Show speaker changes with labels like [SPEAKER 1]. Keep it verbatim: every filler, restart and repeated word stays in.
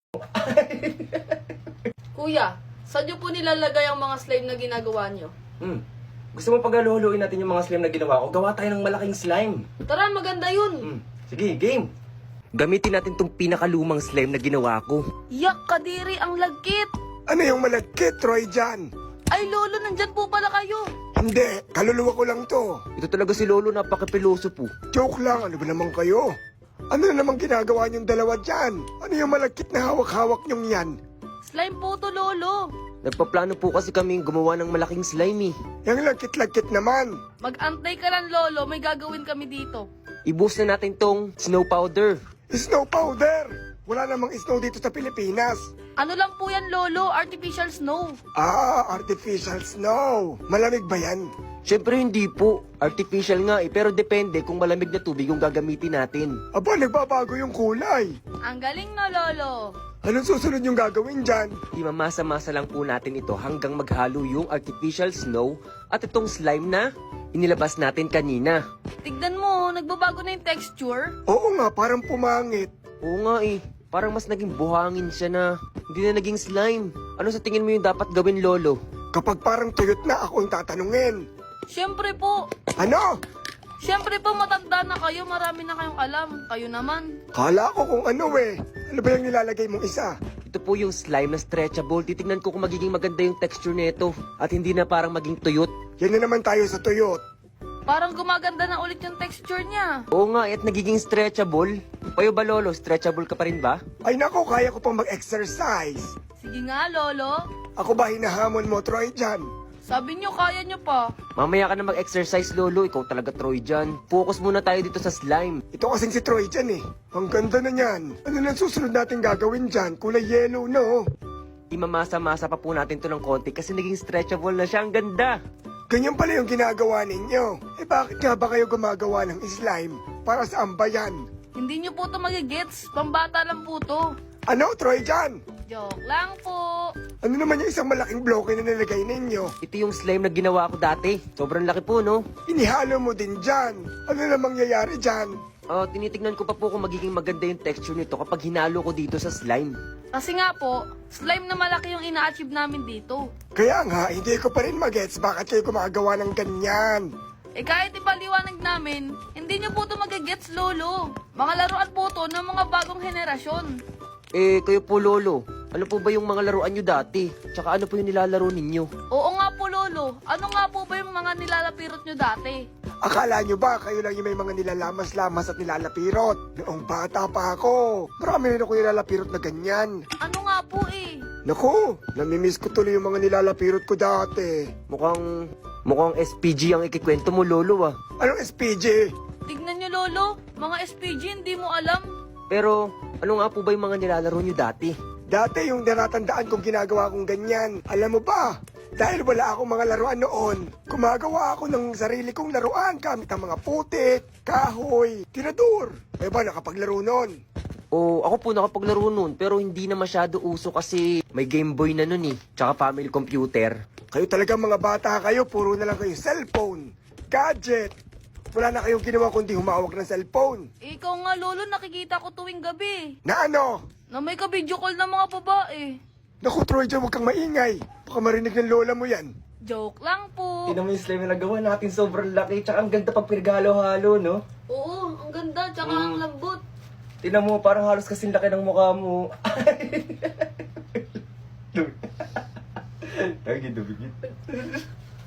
[SPEAKER 1] Kuya, saan niyo po nilalagay ang mga slime na ginagawa niyo?
[SPEAKER 2] Hmm. Gusto mo paghaluhuluin natin yung mga slime na ginawa ko? Gawa tayo ng malaking slime.
[SPEAKER 1] Tara, maganda yun.
[SPEAKER 2] Hmm. Sige, game. Gamitin natin tong pinakalumang slime na ginawa ko.
[SPEAKER 1] Yak, kadiri, ang lagkit.
[SPEAKER 3] Ano yung malagkit, Troy, dyan?
[SPEAKER 1] Ay, lolo, nandyan po pala kayo.
[SPEAKER 3] Hindi, kaluluwa ko lang to.
[SPEAKER 2] Ito talaga si Lolo, napakapiloso po.
[SPEAKER 3] Joke lang, ano ba naman kayo? Ano na naman ginagawa niyong dalawa dyan? Ano yung malagkit na hawak-hawak niyong yan?
[SPEAKER 1] Slime po to, lolo.
[SPEAKER 2] Nagpaplano po kasi kami gumawa ng malaking slime eh.
[SPEAKER 3] Yung lagkit-lagkit naman.
[SPEAKER 1] Mag-antay ka lang, lolo. May gagawin kami dito.
[SPEAKER 2] Ibus na natin tong snow powder.
[SPEAKER 3] Snow powder! Wala namang snow dito sa Pilipinas.
[SPEAKER 1] Ano lang po yan, lolo? Artificial snow.
[SPEAKER 3] Ah, artificial snow. Malamig ba yan?
[SPEAKER 2] Siyempre hindi po. Artificial nga eh, pero depende kung malamig na tubig yung gagamitin natin.
[SPEAKER 3] Aba, nagbabago yung kulay.
[SPEAKER 1] Ang galing no, lolo.
[SPEAKER 3] Anong susunod yung gagawin dyan?
[SPEAKER 2] Imamasa-masa lang po natin ito hanggang maghalo yung artificial snow at itong slime na inilabas natin kanina.
[SPEAKER 1] Tignan mo, nagbabago na yung texture.
[SPEAKER 3] Oo nga, parang pumangit.
[SPEAKER 2] Oo nga eh, parang mas naging buhangin siya na hindi na naging slime. Ano sa tingin mo yung dapat gawin, Lolo?
[SPEAKER 3] Kapag parang tuyot na, ako ang tatanungin.
[SPEAKER 1] Siyempre po.
[SPEAKER 3] Ano?
[SPEAKER 1] Siyempre po, matanda na kayo. Marami na kayong alam. Kayo naman.
[SPEAKER 3] Kala ko kung ano eh. Ano ba yung nilalagay mong isa?
[SPEAKER 2] Ito po yung slime na stretchable. Titignan ko kung magiging maganda yung texture nito at hindi na parang maging tuyot.
[SPEAKER 3] Yan na naman tayo sa tuyot.
[SPEAKER 1] Parang gumaganda na ulit yung texture niya.
[SPEAKER 2] Oo nga, at nagiging stretchable. Kayo ba, Lolo? Stretchable ka pa rin ba?
[SPEAKER 3] Ay nako, kaya ko pang mag-exercise.
[SPEAKER 1] Sige nga, lolo.
[SPEAKER 3] Ako ba hinahamon mo, Troy, dyan?
[SPEAKER 1] Sabi niyo, kaya niyo pa.
[SPEAKER 2] Mamaya ka na mag-exercise, Lolo. Ikaw talaga, Troy, dyan. Focus muna tayo dito sa slime.
[SPEAKER 3] Ito kasing si Troy dyan eh. Ang ganda na niyan. Ano na susunod natin gagawin dyan? Kulay yellow, no?
[SPEAKER 2] Imamasa-masa pa po natin to ng konti kasi naging stretchable na siya. Ang ganda!
[SPEAKER 3] Ganyan pala yung ginagawa ninyo. Eh bakit nga ba kayo gumagawa ng slime? Para saan ba yan?
[SPEAKER 1] Hindi niyo po to magigets. Pambata lang po to.
[SPEAKER 3] Ano, Troy, dyan?
[SPEAKER 1] Joke lang po.
[SPEAKER 3] Ano naman yung isang malaking bloke na nilagay ninyo?
[SPEAKER 2] Ito yung slime na ginawa ko dati. Sobrang laki po, no?
[SPEAKER 3] Inihalo mo din dyan. Ano na mangyayari dyan?
[SPEAKER 2] Oh, tinitignan ko pa po kung magiging maganda yung texture nito kapag hinalo ko dito sa slime.
[SPEAKER 1] Kasi nga po, slime na malaki yung ina-achieve namin dito.
[SPEAKER 3] Kaya nga, hindi ko pa rin magets bakit kayo gumagawa ng ganyan.
[SPEAKER 1] Eh kahit ipaliwanag namin, hindi niyo po to magigets, lolo. Mga laruan po to ng mga bagong henerasyon.
[SPEAKER 2] Eh, kayo po, Lolo. Ano po ba yung mga laruan nyo dati? Tsaka ano po yung nilalaro ninyo?
[SPEAKER 1] Oo nga po, lolo. Ano nga po ba yung mga nilalapirot nyo dati?
[SPEAKER 3] Akala nyo ba kayo lang yung may mga nilalamas-lamas at nilalapirot? Noong bata pa ako, marami rin ako nilalapirot na ganyan.
[SPEAKER 1] Ano nga po eh?
[SPEAKER 3] Naku, namimiss ko tuloy yung mga nilalapirot ko dati.
[SPEAKER 2] Mukhang... Mukhang S P G ang ikikwento mo, Lolo, ah.
[SPEAKER 3] Anong S P G?
[SPEAKER 1] Tignan nyo, lolo. Mga S P G hindi mo alam.
[SPEAKER 2] Pero, ano nga po ba yung mga nilalaro nyo dati?
[SPEAKER 3] Dati yung natatandaan kong ginagawa kong ganyan. Alam mo ba, dahil wala akong mga laruan noon, gumagawa ako ng sarili kong laruan gamit ang mga putik, kahoy, tirador. Eh ba, nakapaglaro noon?
[SPEAKER 2] O, ako po nakapaglaro nun, pero hindi na masyado uso kasi may Game Boy na nun eh. Tsaka family computer.
[SPEAKER 3] Kayo talaga mga bata kayo, puro na lang kayo cellphone, gadget. Wala na kayong ginawa kundi humawak ng cellphone.
[SPEAKER 1] Ikaw nga, lolo, nakikita ko tuwing gabi.
[SPEAKER 3] Na ano?
[SPEAKER 1] Na may ka-video call ng mga babae.
[SPEAKER 3] Naku, Troy, dyan huwag kang maingay. Baka marinig ng lola mo yan.
[SPEAKER 1] Joke lang po.
[SPEAKER 2] Tignan mo yung slime na nagawa natin, sobrang laki. Tsaka ang ganda pag pinaghalo-halo, no?
[SPEAKER 1] Oo, ang ganda, tsaka
[SPEAKER 2] Mm.
[SPEAKER 1] ang lambot.
[SPEAKER 2] Tignan mo, parang halos kasing laki ng mukha mo. Ay, dumi. Ay, dumi.